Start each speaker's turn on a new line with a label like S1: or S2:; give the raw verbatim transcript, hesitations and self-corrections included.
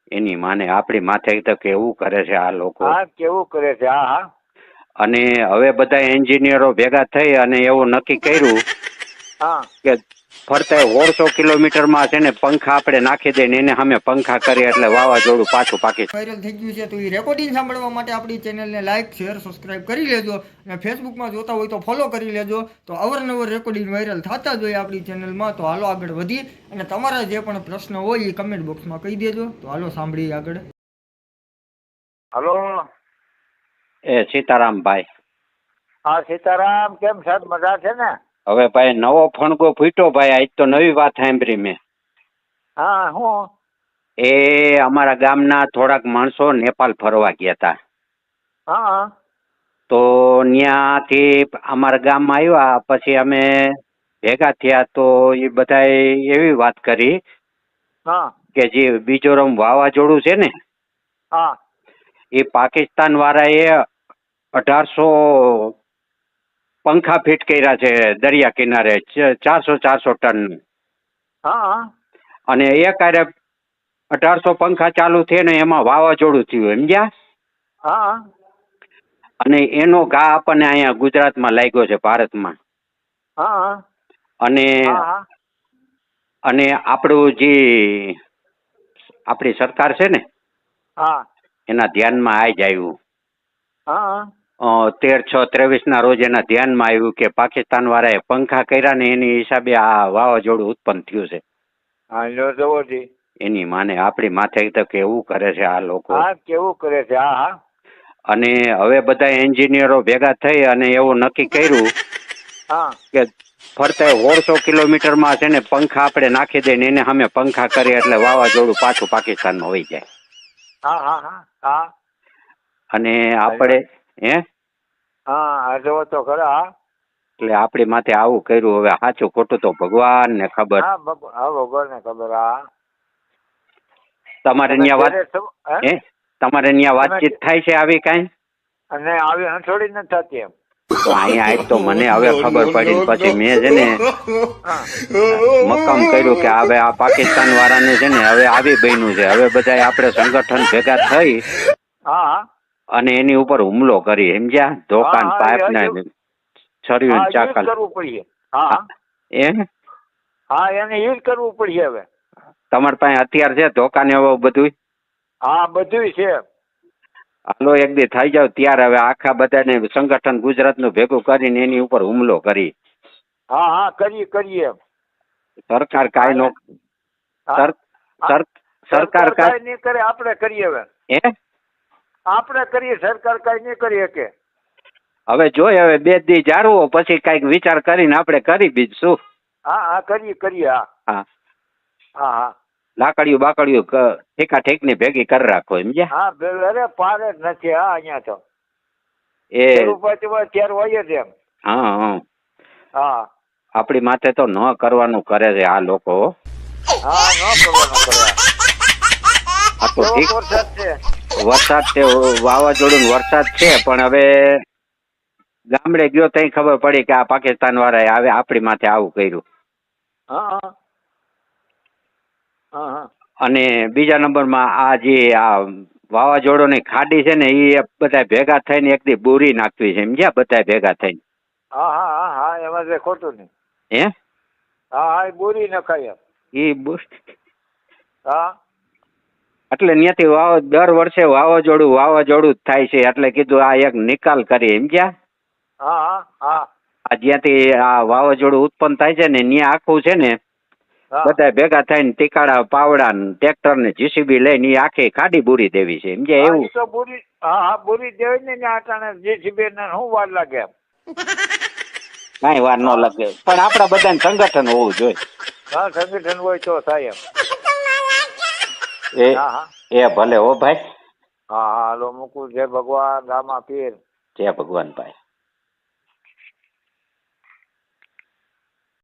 S1: એની માને આપણી માથે તો કેવું કરે છે આ લોકો.
S2: હા કેવું કરે છે. હા હા
S1: અને હવે બધા એન્જિનિયરો ભેગા થઈ અને એવું નક્કી કર્યું
S2: હા
S1: કે ફરતા ઓળસો કિલોમીટરમાં છે ને પંખા આપણે નાખી દઈએ ને એને સામે પંખા કરીએ એટલે વાવાઝોડું પાછું પાકી
S3: વાયરલ થઈ ગયું છે. તો એ રેકોર્ડિંગ સાંભળવા માટે આપણી ચેનલને લાઇક શેર સબસ્ક્રાઇબ કરી લેજો અને ફેસબુકમાં જોતા હોય તો ફોલો કરી લેજો. તો અવરનવર રેકોર્ડિંગ વાયરલ થતા જ હોય આપણી ચેનલમાં. તો હાલો આગળ વધી અને તમારા જે પણ પ્રશ્ન હોય એ કમેન્ટ બોક્સમાં કહી દેજો. તો હાલો સાંભળીએ આગળ.
S2: હલો.
S1: એ સીતારામભાઈ.
S2: હા સીતારામ, કેમ સાહેબ મજા છે ને?
S1: હવે ભાઈ નવો ફણગો ફૂટ્યો ભાઈ. આજ તો નવી વાત સાંભળી મેં.
S2: હા હું
S1: એ અમારા ગામના થોડાક માણસો નેપાલ ફરવા ગયા હતા.
S2: હા
S1: તો ત્યાંથી અમારા ગામમાં આવ્યા પછી અમે ભેગા થયા તો એ બધાએ એવી વાત કરી
S2: હા
S1: કે જે બીજોરમ વાવાઝોડું છે ને
S2: હા
S1: એ પાકિસ્તાન વાળાએ અઢારસો પંખા ફિટ કર્યા છે દરિયા કિનારે, ચારસો ચારસો ટન.
S2: હા
S1: અને એ કાર્ય અઢારસો પંખા ચાલુ થયે ને એમાં વાવાઝોડું થયું, સમજ્યા?
S2: હા
S1: અને એનો ઘા આપણને અહીંયા ગુજરાતમાં લાગ્યો છે, ભારતમાં.
S2: હા
S1: અને
S2: હા
S1: અને આપણું જે આપણી સરકાર છે ને
S2: હા
S1: એના ધ્યાનમાં આ જ આવ્યું.
S2: હા
S1: તેર છ ત્રેવીસ ના રોજ એના ધ્યાનમાં આવ્યું કે પાકિસ્તાન વાળાએ પંખા કર્યા ને એની હિસાબે આ વાવાઝોડું ઉત્પન્ન થયું છે.
S2: હા જો જવો જી
S1: એની માને આપણી માથે તો કેવું કરે છે આ લોકો.
S2: હા કેવું કરે છે. હા હા
S1: અને હવે બધા એન્જિનિયરો ભેગા થઈ અને એવું નક્કી કર્યું
S2: હા
S1: કે ફરતા ઓળસો કિલોમીટરમાં છે ને પંખા આપણે નાખી દઈએ ને એને સામે પંખા કરીએ એટલે વાવાઝોડું પાછું પાકિસ્તાનમાં વહી જાય.
S2: હા હા હા હા
S1: અને આપણે હે
S2: હા જવો તો ખરા.
S1: એટલે આપણી માથે આવું કર્યું. હવે સાચું ખોટું તો ભગવાન ને ખબર.
S2: હા ભગવાન ને ખબર. હા
S1: તમારે ત્યાં વાત હે તમારે ત્યાં વાતચીત થાય છે આવી કાંઈ?
S2: અને આવી હંસોડી નથી થતી એમ.
S1: તો અહીંયા આજ તો મને હવે ખબર પડી ને પછી મેં છે ને મક્કમ કર્યું કે હવે આ પાકિસ્તાન વાળાનું છે ને હવે આવી બન્યું છે. હવે બધા આપણે સંગઠન ભેગા થઈ
S2: હા
S1: અને એની ઉપર હુમલો કરી, સમજ્યા? દોકાન પાઇપ ને છર્યું ચાકલ
S2: કરવું પડશે. હા
S1: એ
S2: હા એને યુઝ કરવું પડશે હવે.
S1: તમારી પાસે હથિયાર છે, ધોકાને એવું બધું?
S2: હા બધું છે.
S1: હાલો એક દી થઈ જાવ ત્યારે હવે આખા બધાને સંગઠન ગુજરાતનું ભેગું કરીને એની ઉપર હુમલો કરી.
S2: હા હા કરીએ કરીએ.
S1: સરકાર કાંઈ નો સરકાર કાંઈ
S2: નહીં કરે, આપણે કરીએ. હવે
S1: હે
S2: આપણે કરીએ, સરકાર કાંઈ નહીં કરી શકે.
S1: હવે જોઈ હવે બે દી જાળવો પછી કઈક વિચાર કરીને આપણે કરી બીજું શું.
S2: હા હા કરીએ કરીએ. હા
S1: હા
S2: હા હા
S1: લાકડીયું બાકડીયું ઠેકા ઠેક ની ભેગી કરી રાખો, સમજ્યા?
S2: હા અરે પાર જ નથી. હા અહીંયા તો
S1: એ
S2: ત્યારે હોય જ એમ.
S1: હા હા
S2: હા
S1: આપણી માથે તો ન કરવાનું કરે છે આ લોકો.
S2: હા ન કરવાનું કરે.
S1: આ તો ઠીક
S2: વરસાદ છે.
S1: વરસાદ છે, વાવાઝોડું વરસાદ છે, પણ હવે ગામડે ગયો તઈ ખબર પડી કે આ પાકિસ્તાન વાળાએ આવે આપણી માથે આવું કર્યું.
S2: હા હા હા
S1: અને બીજા નંબરમાં આ જે આ વાવાઝોડોની ખાડી છે ને એ બધા ભેગા થઈને એક દી બોરી નાખવી છે, સમજ્યા? બધા ભેગા થઈને.
S2: હા હા હા હા એમાં જે ખોટું નહીં.
S1: હે
S2: હા હા એ બોરી નખાય.
S1: એ
S2: હા
S1: એટલે ત્યાંથી વાવ દર વર્ષે વાવાઝોડું વાવાઝોડું જ થાય છે એટલે કીધું આ એક નિકાલ કરી, સમજ્યા?
S2: હા હા હા
S1: આ જ્યાંથી આ વાવાઝોડું ઉત્પન્ન થાય છે ને ત્યાં આખું છે ને બધા ભેગા થઈને ટીકાડા પાવડા ટ્રેક્ટર ને જીસીબી લઈને આખી ખાડી બુરી દેવી છે, સમજ્યા? એવું
S2: તો બોરી હા હા બોરી દેવી ને આટાણે જીસીબી ને શું વાર લાગે એમ.
S1: કઈ વાર ન લાગે પણ આપડા બધાને સંગઠન હોવું જોઈએ.
S2: હા સંગઠન હોય તો થાય એમ.
S1: એ
S2: હા હા
S1: એ ભલે હો ભાઈ.
S2: હા હા હાલો મૂકું. જય ભગવાન રામા પીર.
S1: જય ભગવાન ભાઈ.